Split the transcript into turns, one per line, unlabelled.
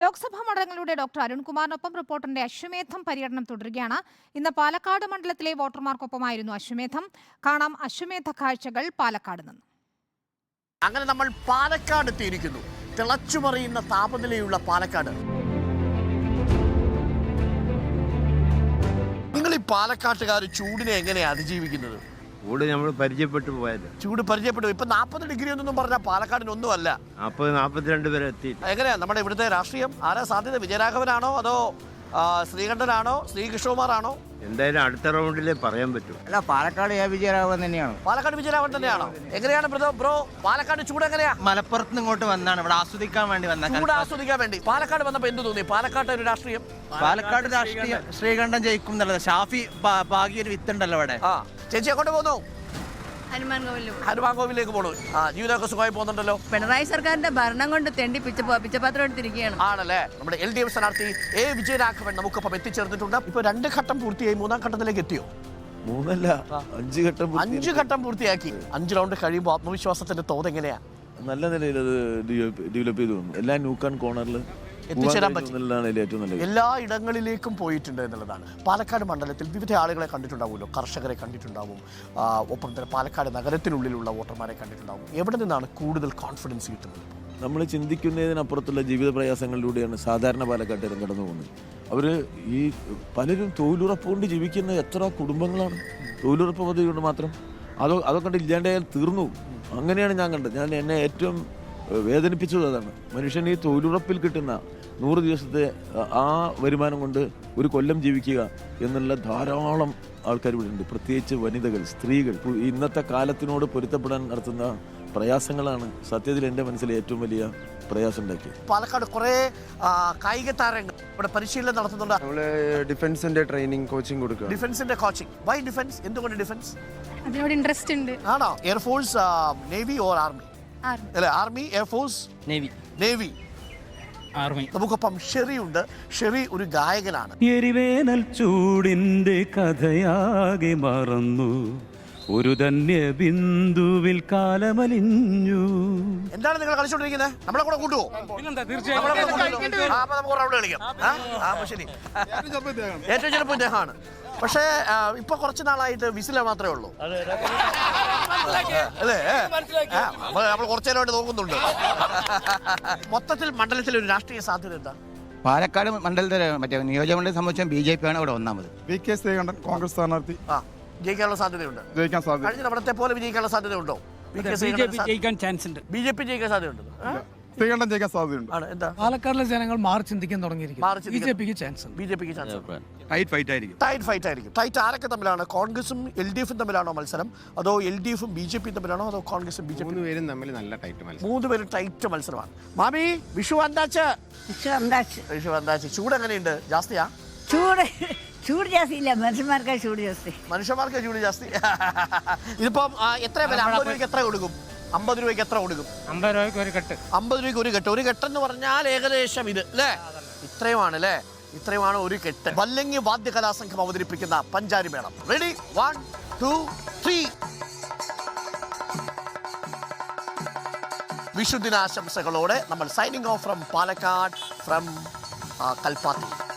Lok Sabha മണ്ഡലങ്ങളുടെ doctor അരുൺകുമാറിനൊപ്പം റിപ്പോർട്ടറിന്റെ അശ്വമേധം പര്യടനം തുടരുകയാണ്. ഇന്ന് പാലക്കാട് മണ്ഡലത്തിലെ വോട്ടർമാർക്കൊപ്പമായിരുന്നു അശ്വമേധം. കാണാം അശ്വമേധ കാഴ്ചകൾ പാലക്കാട് നിന്ന്.
അങ്ങനെ നമ്മൾ പാലക്കാട് എത്തിയിരിക്കുന്നു. തിളച്ചുമറിയുന്ന താപനിലയുള്ള പാലക്കാട്. നിങ്ങൾ ഈ പാലക്കാട്ടുകാർ ചൂടിനെ എങ്ങനെയാണ് അതിജീവിക്കുന്നത്?
ചൂട് നമ്മൾ പരിചയപ്പെട്ടു പോയത്.
ചൂട് പരിചയപ്പെട്ടു. ഇപ്പൊ 40 ഡിഗ്രി ഒന്നും പറഞ്ഞാൽ പാലക്കാടിനൊന്നും അല്ല.
42 വരെ എത്തി.
എങ്ങനെയാ നമ്മുടെ ഇവിടുത്തെ രാഷ്ട്രീയം? ആരാ സാധ്യത? വിജയരാഘവനാണോ അതോ ശ്രീകണ്ഠനാണോ ശ്രീകൃഷ്ണകുമാറാണോ?
എന്തായാലും അടുത്ത റൗണ്ടിലേ പറയാൻ പറ്റൂ.
അല്ല, പാലക്കാട് വിജയരാഘവൻ തന്നെയാണ്.
പാലക്കാട് വിജയരാഘവൻ തന്നെയാണോ? എങ്ങനെയാണ് ബ്രോ പാലക്കാട് ചൂട് എങ്ങനെയാ?
മലപ്പുറത്ത് നിന്ന് ഇങ്ങോട്ട് വന്നാണ്, ഇവിടെ ആസ്വദിക്കാൻ വേണ്ടി വന്ന.
ചൂട് ആസ്വദിക്കാൻ വേണ്ടി പാലക്കാട് വന്നപ്പോ എന്ത് തോന്നി? പാലക്കാട് ഒരു രാഷ്ട്രീയം,
പാലക്കാട് രാഷ്ട്രീയം ശ്രീകണ്ഠൻ ജയിക്കും എന്നുള്ളത്. ഷാഫി ഭാഗ്യ ഒരു വിത്തുണ്ടല്ലോ അവിടെ.
ചേച്ചി അങ്ങോട്ട് പോന്നു. ഹനുമാൻ കോവിലേക്ക് പോണു. ജീവിതമൊക്കെ സുഖമായി പോകുന്നുണ്ടല്ലോ.
പിണറായി സർക്കാരിന്റെ ഭരണം കൊണ്ട് തെണ്ടി പിച്ചപാത്രം എടുത്തിരിക്കുകയാണ്.
ആണല്ലേ? നമ്മുടെ LDF സ്ഥാനാർത്ഥി A വിജയരാഘവൻ നമുക്കൊപ്പം എത്തിച്ചേർന്നിട്ടുണ്ട്. ഇപ്പൊ 2 ഘട്ടം പൂർത്തിയായി, 3-ാം ഘട്ടത്തിലേക്ക് എത്തിയോ? 5 ഘട്ടം പൂർത്തിയാക്കി. 5 റൗണ്ട് കഴിയുമ്പോൾ ആത്മവിശ്വാസത്തിന്റെ തോത് എങ്ങനെയാ?
നല്ല നിലയിൽ അത് ഡെവലപ്പ് ചെയ്തു വന്നു. എല്ലാ ന്യൂക്കാൻ കോർണറിൽ
എത്തിച്ചേരാൻ പറ്റി.
ഏറ്റവും നല്ലത്
എല്ലാ ഇടങ്ങളിലേക്കും പോയിട്ടുണ്ട് എന്നുള്ളതാണ്. പാലക്കാട് മണ്ഡലത്തിൽ വിവിധ ആളുകളെ കണ്ടിട്ടുണ്ടാവുമല്ലോ. കർഷകരെ കണ്ടിട്ടുണ്ടാവും, ഒപ്പം തന്നെ പാലക്കാട് നഗരത്തിനുള്ളിലുള്ള വോട്ടർമാരെ കണ്ടിട്ടുണ്ടാവും. എവിടെ നിന്നാണ് കൂടുതൽ കോൺഫിഡൻസ് കിട്ടുന്നത്?
നമ്മൾ ചിന്തിക്കുന്നതിനപ്പുറത്തുള്ള ജീവിത പ്രയാസങ്ങളിലൂടെയാണ് സാധാരണ പാലക്കാട്ടുകാരും കടന്നു പോകുന്നത്. അവർ ഈ പലരും തൊഴിലുറപ്പ് കൊണ്ട് ജീവിക്കുന്ന എത്ര കുടുംബങ്ങളാണ്. തൊഴിലുറപ്പ് പദ്ധതി കൊണ്ട് മാത്രം അതൊക്കെ കണ്ട് ഇല്ലാണ്ടായാൽ തീർന്നു. അങ്ങനെയാണ് ഞാൻ കണ്ടത്. എന്നെ ഏറ്റവും വേദനിപ്പിച്ചത് അതാണ്. മനുഷ്യൻ ഈ തൊഴിലുറപ്പിൽ കിട്ടുന്ന 100 ദിവസത്തെ ആ വരുമാനം കൊണ്ട് ഒരു കൊല്ലം ജീവിക്കുക എന്നുള്ള ധാരാളം ആൾക്കാർ ഇവിടെ ഉണ്ട്. പ്രത്യേകിച്ച് വനിതകൾ, സ്ത്രീകൾ. ഇന്നത്തെ കാലത്തിനോട് പൊരുത്തപ്പെടാൻ നടത്തുന്ന പ്രയാസങ്ങളാണ് സത്യത്തിൽ എൻ്റെ മനസ്സിൽ ഏറ്റവും വലിയ പ്രയാസം ഉണ്ടാക്കിയത്.
പാലക്കാട് കുറേ കായിക താരങ്ങൾ ഇവിടെ പരിശീലനം നടത്തുന്നുണ്ട്.
നമ്മള് ഡിഫൻസിന്റെ ട്രെയിനിങ് കോച്ചിങ് കൊടുക്കുക.
ഡിഫൻസിന്റെ കോച്ചിങ്. Why defence? എന്തുകൊണ്ട് ഡിഫൻസ്?
അതിനോട് ഇൻട്രസ്റ്റ് ഉണ്ട്.
ആണോ? Air force, navy or army? അല്ലെ, ആർമി, എയർഫോഴ്സ്, നേവി, ആർമി. നമുക്കൊപ്പം ഷെറി ഉണ്ട്. ഷെറി ഒരു ഗായകനാണ്.
എരിവേനൽ ചൂടിന്റെ കഥയാകെ മറന്നു, ഒരു ധന്യ ബിന്ദുവിൽ കാലമലിഞ്ഞു.
എന്താണ് നിങ്ങൾ കളിച്ചോണ്ടിരിക്കുന്നത്? നമ്മളെ കൂടെ കൂട്ടുവോ? നമുക്ക് റൗണ്ട് കളിക്കാം. ശരി, ഏറ്റവും ചെറുപ്പം ഇദ്ദേഹമാണ്. പക്ഷേ ഇപ്പൊ കുറച്ച് നാളായിട്ട് വിസില മാത്രമേ ഉള്ളൂ അല്ലേ? നമ്മൾ കുറച്ചേരമായിട്ട് നോക്കുന്നുണ്ട്. മൊത്തത്തിൽ മണ്ഡലത്തിൽ ഒരു രാഷ്ട്രീയ സാധ്യത എന്താ?
പാലക്കാട് മണ്ഡലത്തിലെ മറ്റേ നിയോജകമണ്ഡലം സംബന്ധിച്ച BJP ആണ് ഇവിടെ ഒന്നാമത്.
VK ശ്രീകണ്ഠൻ കോൺഗ്രസ് സ്ഥാനാർത്ഥി
ജയിക്കാനുള്ള സാധ്യതയുണ്ട്.
ജയിക്കാൻ സാധ്യത.
കഴിഞ്ഞ തവണത്തെ പോലെ വിജയിക്കാനുള്ള സാധ്യതയുണ്ടോ?
ജയിക്കാൻ ചാൻസ് ഉണ്ട്.
BJP ജയിക്കാൻ സാധ്യതയുണ്ട്.
ശ്രീകണ്ഠൻ ജയിക്കാൻ സാധ്യതയുണ്ട്.
എന്താ?
പാലക്കാടിലെ ജനങ്ങൾ മാറി ചിന്തിക്കാൻ തുടങ്ങിയിരിക്കും. BJPക്ക് ചാൻസ് ഉണ്ട്.
BJPക്ക് ചാൻസ്.
ടൈറ്റ് ഫൈറ്റ് ആയിരിക്കും.
ടൈറ്റ് ആരൊക്കെ തമ്മിലാണ്? കോൺഗ്രസും LDF തമ്മിലാണോ മത്സരം? അതോ LDF BJP തമ്മിലാണോ? അതോ കോൺഗ്രസും BJP?
3 പേരും തമ്മിൽ നല്ല ടൈറ്റ് മത്സരം.
3 പേരും ടൈറ്റ് മത്സരമാണ്. മാമി, വിഷു വന്താച്ച്. ചൂട് എങ്ങനെയുണ്ട്? ജാസ്തിയാ?
ചൂട് ജാസ്തിയില്ല, മനുഷ്യന്മാർക്ക് ചൂട് ജാസ്തി.
മനുഷ്യന്മാർക്ക് ചൂട് ജാസ്തി. ഇതിപ്പം എത്ര വില? 50 രൂപയ്ക്ക് എത്ര കൊടുക്കും? 50 രൂപയ്ക്ക് എത്ര കൊടുക്കും?
50 രൂപയ്ക്ക് ഒരു കെട്ട്.
50 രൂപയ്ക്ക് ഒരു കെട്ട്. ഒരു കെട്ടെന്ന് പറഞ്ഞാൽ ഏകദേശം ഇത് അല്ലേ? ഇത്രയുമാണ് അല്ലേ? ഇത്രയുമാണ് ഒരു കെട്ട്. വല്ലങ്ങി വാദ്യ കലാസംഘം അവതരിപ്പിക്കുന്ന പഞ്ചാരി മേളം. റെഡി? 1 2 3. വിഷുദിനാശംസകളോടെ നമ്മൾ signing off from Palakkad, from Kalpathi.